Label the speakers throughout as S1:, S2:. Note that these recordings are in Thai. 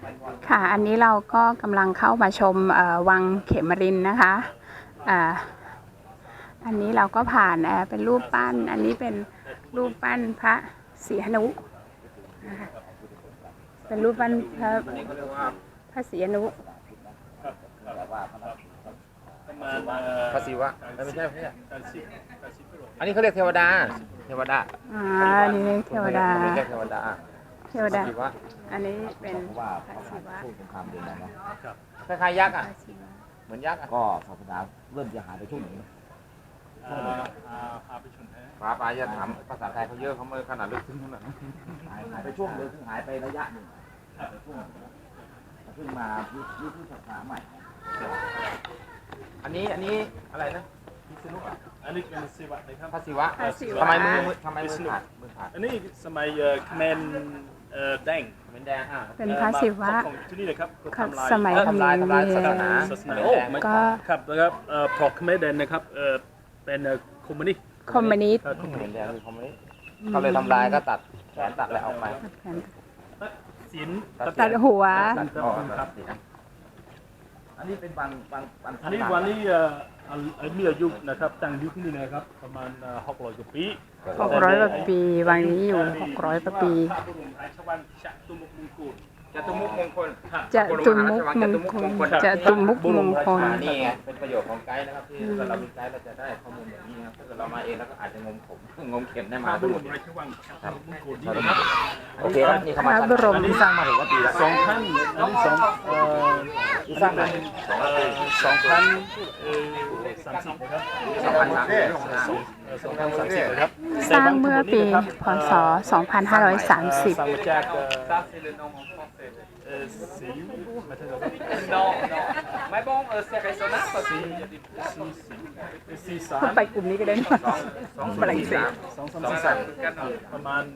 S1: ค่ะอันนี้เราก็กำลังเข้ามาชมวังเขมรินทร์นะคะอันนี้เราก็ผ่านเป็นรูปปั้นอันนี้เป็นรูปปั้นพระศรีหนุนะคะเป็นรูปปั้นพระศรีหนุ
S2: พระศิวะไม่ใช่อันนี้เขาเรียกเทวดา
S1: นี่เทวดา
S2: ไม่ใช่เทวดา
S1: อันนี้เป็นพระศิวะ
S2: คล้ายๆยักษ์อ่ะเหมือนยักษ์
S3: ก็ศาสนาเริ่มจะหายไปช่วงหนึ่ง
S2: ป้าอย่าถามภาษาไทยเขาเยอะเขาไม่ขนาดลึกซึ้งขนาดนั้น
S3: หายไปช่วงเลยคือหายไประยะหนึ่งช่วงเพิ่งมายุคศาสนาใหม่
S2: อันนี้อะไรนะพิษณุ
S4: อันนี้เป็นศิวะนะครับ
S2: พระศิวะทำไมมือขาด
S4: อันนี้สมัยเขมรแดง
S1: เป็นพระศิวะ
S4: ที่นี่นะครับ
S1: สมัยเขมร
S2: ศาสนา
S1: ก็
S4: ครับนะครับพอเขมรแดงนะครับเป็นคอมมิวนิสต์
S1: เขมรแดงคือคอมมิวนิสต์
S2: เขาเลยทำลายก็ตัดแขนตัดอะไรออกไป
S4: ศีล
S1: ตัดหัว
S3: อันนี้เป็น
S4: อันนี้วันนี้มีอายุนะครับตั้งอยู่ที่นี่นะครับประมาณ600 กว่าปี
S1: 600 กว่าปีวังนี้อยู่600 กว่าปี
S2: จตุมุขมงคลนี่ไงเป็นประโยชน์ของไกด์นะครับที่เรามีไกด์เราจะได้ข้อมูลแบบนี้นะครับถ้าเกิดเรามาเองแล้วก็อาจจะงมเข็มได้มาทั้งหมดโอเคครับนี่เข้ามา
S1: อัน
S2: นี้สร้างมาถึงว่าปีละ
S4: 2,000อันนี้
S2: ที่สร้างมา
S4: 2030นะครับ
S2: 2030
S4: นะครับ
S1: สร้างเมื่อปีพ.ศ. 2530พูดไปกลุ่มนี้ก็ได้
S4: ประมาณ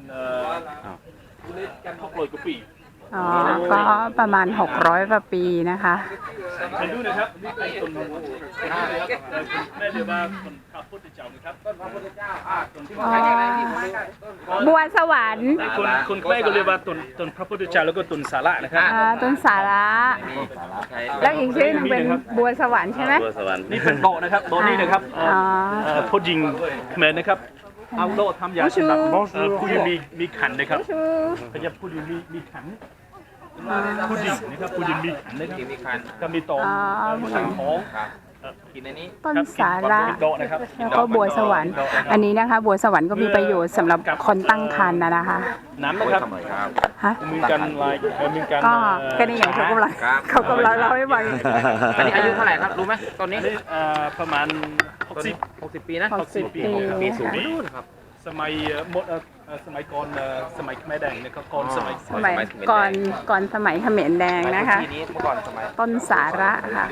S4: 600 กว่าปี
S1: ก็ประมาณ600 กว่าปีนะคะ
S4: เห็นดูนะครับนี่เป็นต้นแม่เรียกว่าต้นพระพุทธเจ้านะครับต้นพระพุทธเจ้า
S1: บัวสวรรค์
S4: คนแม่ก็เรียกว่าต้นพระพุทธเจ้าแล้วก็ต้นสาระนะครับ
S1: ต้นสาระแล้วอีกชื่อนึงเป็นบัวสวรรค์ใช่ไหม
S4: บัวสวรรค์นี่เป็นโต๊ะนะครับโต๊ะนี้นะครับผู้หญิงแม่นะครับเอาโต๊ะทำยาสำหรับผู้หญิงมีขันนะครับเขาจะผู้หญิงมีขันผู้หญิงนะครับผู้หญิงมีขันนะครับก็มีโต๊ะสังท้อง
S1: ต้นสาระแล้วก็บัวสวรรค์อันนี้นะคะบัวสวรรค์ก็มีประโยชน์สำหรับคนตั้งครรภ์นะคะ
S4: น้ำนะครับมีการมีการ
S1: ก็นี่อย่างเขากำลังเล่าให้ฟัง
S2: อันนี้อายุเท่าไหร่ครับรู้ไหมตอนนี้
S4: ประมาณ60 ปีนะ
S1: 60 ปี
S2: สูงนะครับ
S4: สมัยสมัยก่อนสมัยเขมรแดงนะครับก่อนสมัย
S1: ก่อนสมัยเขมรแดงนะคะต้นสาระค่ะ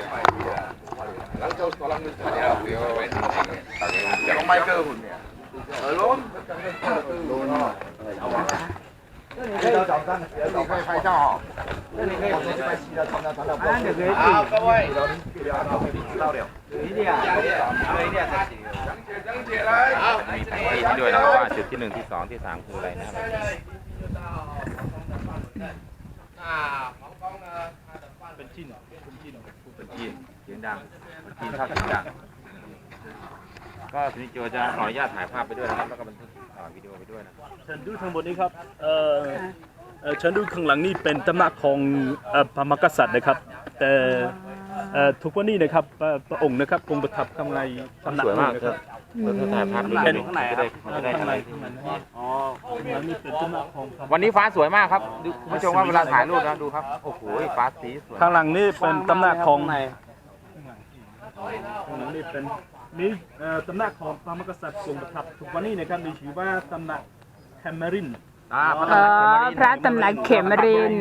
S2: ที่ด้วยนะว่าจุดที่1ที่2ที่3คืออะไรนะครับ
S4: เป็นจีน
S2: เสียงดังจีนชอบเสียงดังก็ทีนี้โจจะขออนุญาตถ่ายภาพไปด้วยนะครับแล้วก็บันทึกวิดีโอไปด้วยนะ
S4: เชิญดูทั้งหมดนี้ครับเชิญดูข้างหลังนี่เป็นตำหนักของพระมหากษัตริย์นะครับแต่ทุกวันนี้นะครับพระองค์นะครับคงประทับข้างในตำหนักนะครับ
S2: ถ่ายภาพเป็นข้างในจะได้อะไรวันนี้ฟ้าสวยมากครับดูคุณผู้ชมว่าเวลาถ่ายรูปนะดูครับโอ้โหฟ้าสีสวย
S4: ข้างหลังนี่เป็นตำหนักของนี่เป็นตำหนักของพระมหากษัตริย์ทรงประทับทุกวันนี้นะครับมีชื่อว่าตำหนักเขมรินทร์
S1: พระตำหนักเขมรินทร์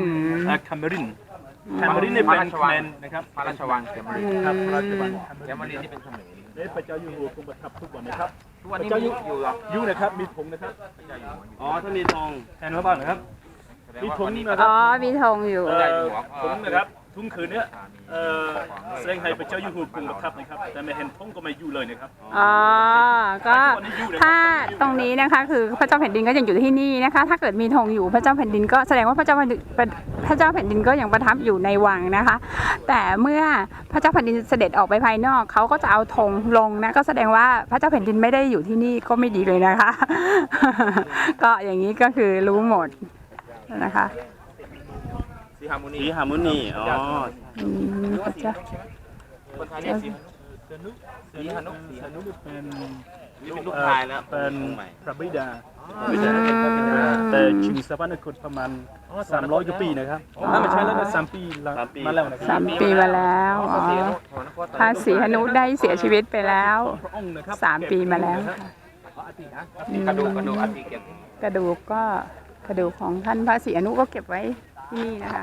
S4: นี่เป็นเขมรนะครับ
S2: พระราชวังเขมรินทร์
S4: ครับพระราชวัง
S2: เขมรินทร์นี่เป็นเขมร
S4: พระเจ้าอยู่หัวทรงประทับทุกวันนะครับ
S2: ทุกวันนี้อยู่
S4: นะครับมีธงนะครับถ้ามีธงแทนพระบาทนะครับมีธง
S1: มีธงอยู่
S4: ธงนะครับทุ่งคืนเนี้ยแสดงให้พระเจ้าอยู่หัวกรุงประทับนะครับแต่ไม่เห็นธงก็ไม่อยู่เลยนะครับ
S1: อ๋อ ก็ถ้าตรงนี้นะคะคือพระเจ้าแผ่นดินก็ยังอยู่ที่นี่นะคะ ถ้าเกิดมีธงอยู่พระเจ้าแผ่นดินก็แสดงว่าพระเจ้าแผ่นดินก็ยังประทับอยู่ในวังนะคะ แต่เมื่อพระเจ้าแผ่นดินเสด็จออกไปภายนอกเขาก็จะเอาธงลงนะก็แสดงว่าพระเจ้าแผ่นดินไม่ได้อยู่ที่นี่ก็ไม่ดีเลยนะคะ ก็อย่างนี้ก็คือรู้หมดนะคะ
S2: สีฮาร์โมนี
S4: สีฮาร์โมนีอ๋อ
S1: พระเจ้า
S2: คนไทยเรียกสีฮานุสีฮานุ
S4: เป็น
S2: เป็นลูกชายแล้ว
S4: เป็นพระบิดา
S1: อืม
S4: แต่ชิงสวรรคตประมาณ300 กว่าปีนะครับไม่ใช่แล้วนะ3 ปีมาแล้วนะครั
S1: 3 ปีมาแล้วอ๋อพระศรีหนุได้เสียชีวิตไปแล้ว
S4: พระองค์นะครับ
S1: 3 ปีมาแล้วค่ะ
S2: กระดูกอัฐิเก็บ
S1: กระดูกของท่านพระศรีอนุก็เก็บไว้ที่นี่นะคะ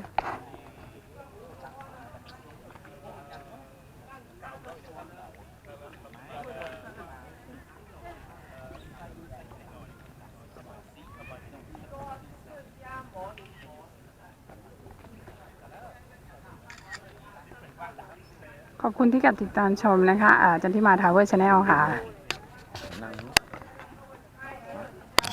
S1: ขอบคุณที่กับติดตามชมนะคะจันทิมาทาวเวอร์ชาแนลค่ะ